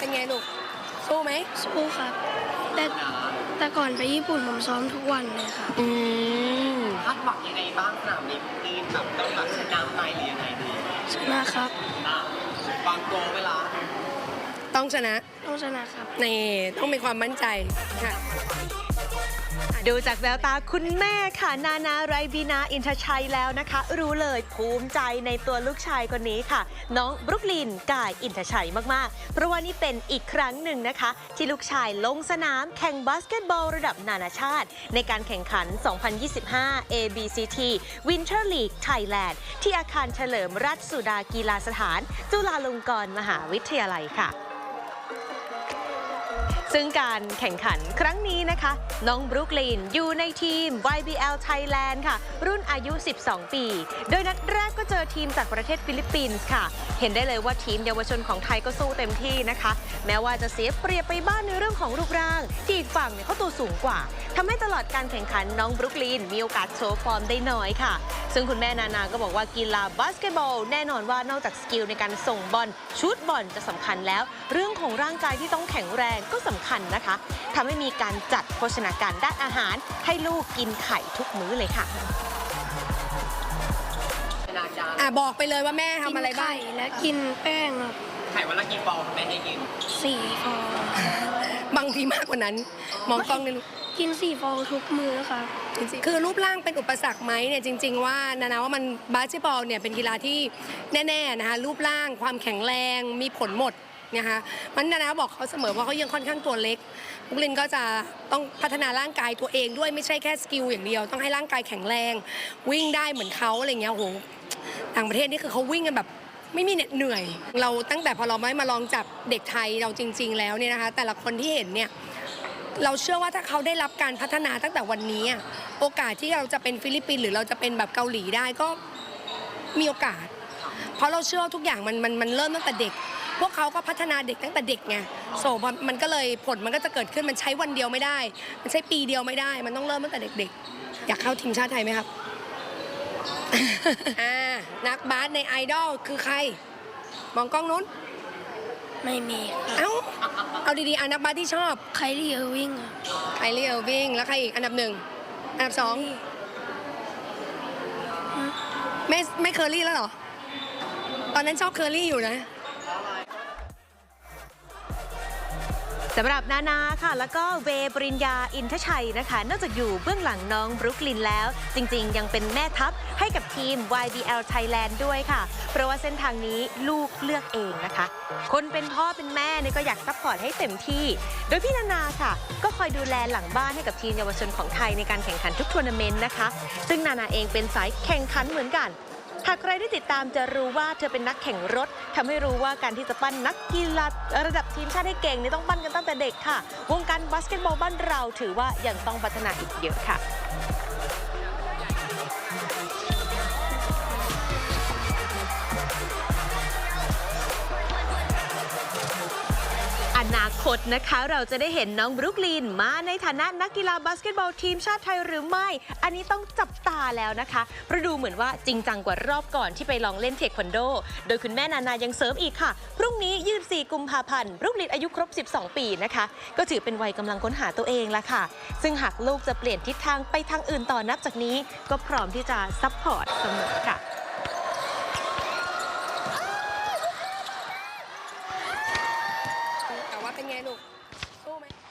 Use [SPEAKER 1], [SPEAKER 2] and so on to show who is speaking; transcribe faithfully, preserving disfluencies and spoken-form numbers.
[SPEAKER 1] เป็นไงลูกสู้ไหม
[SPEAKER 2] สู้ครับแต่แต่ก่อนไปญี่ปุ่นผมซ้อมทุกวันเลยครับ
[SPEAKER 1] อืม
[SPEAKER 3] คาดหวังยังไงบ้างสนามนี้ดีแบบต้องแบบชนะไหมหรือยังไงดี
[SPEAKER 2] ชนะครับ
[SPEAKER 3] บางโกเวลา
[SPEAKER 1] ต้องชนะ
[SPEAKER 2] ต้องชนะครับ
[SPEAKER 1] นี่ต้องมีความมั่นใจค่ะ
[SPEAKER 4] ดูจากแววตาคุณแม่ค่ะนานาไรบีนาอินทชัยแล้วนะคะรู้เลยภูมิใจในตัวลูกชายคนนี้ค่ะน้องบรุกลินกายอินทชัยมากๆเพราะว่านี่เป็นอีกครั้งหนึ่งนะคะที่ลูกชายลงสนามแข่งบาสเกตบอลระดับนานาชาติในการแข่งขัน สองพันยี่สิบห้า เอ บี ซี ที Winter League Thailand ที่อาคารเฉลิมราชสุดากีฬาสถานจุฬาลงกรณ์มหาวิทยาลัยค่ะซึ่งการแข่งขันครั้งนี้นะคะน้องบรุกลินอยู่ในทีม วาย บี แอล Thailand ค่ะรุ่นอายุ สิบสอง ปีโดยนัดแรกก็เจอทีมจากประเทศฟิลิปปินส์ค่ะเห็นได้เลยว่าทีมเยาวชนของไทยก็สู้เต็มที่นะคะแม้ว่าจะเสียเปรียบไปบ้างในเรื่องของรูปร่างที่อีกฝั่งเนี่ยเขาตัวสูงกว่าทำให้ตลอดการแข่งขันน้องบรุกลินมีโอกาสโชว์ฟอร์มได้น้อยค่ะซึ่งคุณแม่นานาก็บอกว่ากีฬาบาสเกตบอลแน่นอนว่านอกจากสกิลในการส่งบอลชูตบอลจะสำคัญแล้วเรื่องของร่างกายที่ต้องแข็งแรงก็สำคัญนะคะทำให้มีการจัดโภชนาการด้านอาหารให้ลูกกินไข่ทุกมื้อเลยค่ะ
[SPEAKER 1] อ่ะบอกไปเลยว่าแม่ทำอะไรบ้าง
[SPEAKER 2] และกินแป้งครับ
[SPEAKER 3] ไข่วันละกี่ฟองแม่ให้กิน
[SPEAKER 2] สี่ฟอง
[SPEAKER 1] บางทีมากกว่านั้นมองกล้องเลยลูก
[SPEAKER 2] กินสี่ฟองทุกมื้อค่ะ
[SPEAKER 1] คือรูปร่างเป็นอุปสรรคไหมเนี่ยจริงๆว่านานาว่ามันบาสเกตบอลเนี่ยเป็นกีฬาที่แน่ๆนะคะรูปร่างความแข็งแรงมีผลหมดนะคะมันนานาบอกเขาเสมอว่าเขายังค่อนข้างตัวเล็กบุกลินก็จะต้องพัฒนาร่างกายตัวเองด้วยไม่ใช่แค่สกิลอย่างเดียวต้องให้ร่างกายแข็งแรงวิ่งได้เหมือนเขาอะไรเงี้ยโอ้โหต่างประเทศนี่คือเขาวิ่งกันแบบไม่มีเหนื่อยเราตั้งแต่พอเราไม่มาลองจับเด็กไทยเราจริงๆแล้วเนี่ยนะคะแต่ละคนที่เห็นเนี่ยเราเชื่อว่าถ้าเขาได้รับการพัฒนาตั้งแต่วันนี้โอกาสที่เราจะเป็นฟิลิปปินส์หรือเราจะเป็นแบบเกาหลีได้ก็มีโอกาสเพราะเราเชื่อทุกอย่างมันมันมันเริ่มตั้งแต่เด็กพวกเขาก็พัฒนาเด็กตั้งแต่เด็กไงโซมันก็เลยผลมันก็จะเกิดขึ้นมันใช้วันเดียวไม่ได้มันใช้ปีเดียวไม่ได้มันต้องเริ่มตั้งแต่เด็กๆอยากเข้าทีมชาติไทยไหมครับ อ่านักบาสในไอดอลคือใครมองกล้องนู้น
[SPEAKER 2] ไม่มี
[SPEAKER 1] เอ้าเอาดีๆอ่านักบาสที่ชอบ
[SPEAKER 2] ไคลี่เออร์วิง
[SPEAKER 1] ไคลี่เออร์วิงแล้วใครอีกอันดับหนึ่งอันดับสองไม่ไม่เคอรี่แล้วเหรอตอนนั้นชอบเคอรี่อยู่นะ
[SPEAKER 4] สำหรับนานาค่ะแล้วก็เวปริญญาอินทชัยนะคะนอกจากอยู่เบื้องหลังน้องบรุกลินแล้วจริงๆยังเป็นแม่ทัพให้กับทีม วาย บี แอล Thailand ด้วยค่ะเพราะว่าเส้นทางนี้ลูกเลือกเองนะคะคนเป็นพ่อเป็นแม่เนี่ยก็อยากซัพพอร์ตให้เต็มที่โดยพี่นานาค่ะก็คอยดูแลหลังบ้านให้กับทีมเยาวชนของไทยในการแข่งขันทุกทัวร์นาเมนต์นะคะซึ่งนานาเองเป็นสายแข่งขันเหมือนกันหากใครได้ติดตามจะรู้ว่าเธอเป็นนักแข่งรถทำให้รู้ว่าการที่จะปั้นนักกีฬาระดับทีมชาติให้เก่งนี่ต้องปั้นกันตั้งแต่เด็กค่ะวงการบาสเกตบอลบ้านเราถือว่ายังต้องพัฒนาอีกเยอะค่ะอนาคตนะคะเราจะได้เห็นน้องบรุกลินมาในฐานะนักกีฬาบาสเกตบอลทีมชาติไทยหรือไม่อันนี้ต้องจับตาแล้วนะคะเพราะดูเหมือนว่าจริงจังกว่ารอบก่อนที่ไปลองเล่นเทควันโดโดยคุณแม่นานายังเสริมอีกค่ะพรุ่งนี้ยี่สิบสี่กุมภาพันธ์บรุกลินอายุครบสิบสองปีนะคะก็ถือเป็นวัยกำลังค้นหาตัวเองละค่ะซึ่งหากลูกจะเปลี่ยนทิศทางไปทางอื่นต่อนับจากนี้ก็พร้อมที่จะซัพพอร์ตเสมอค่ะ
[SPEAKER 1] แต่ว่าเป็นไงลูกสู้ไหม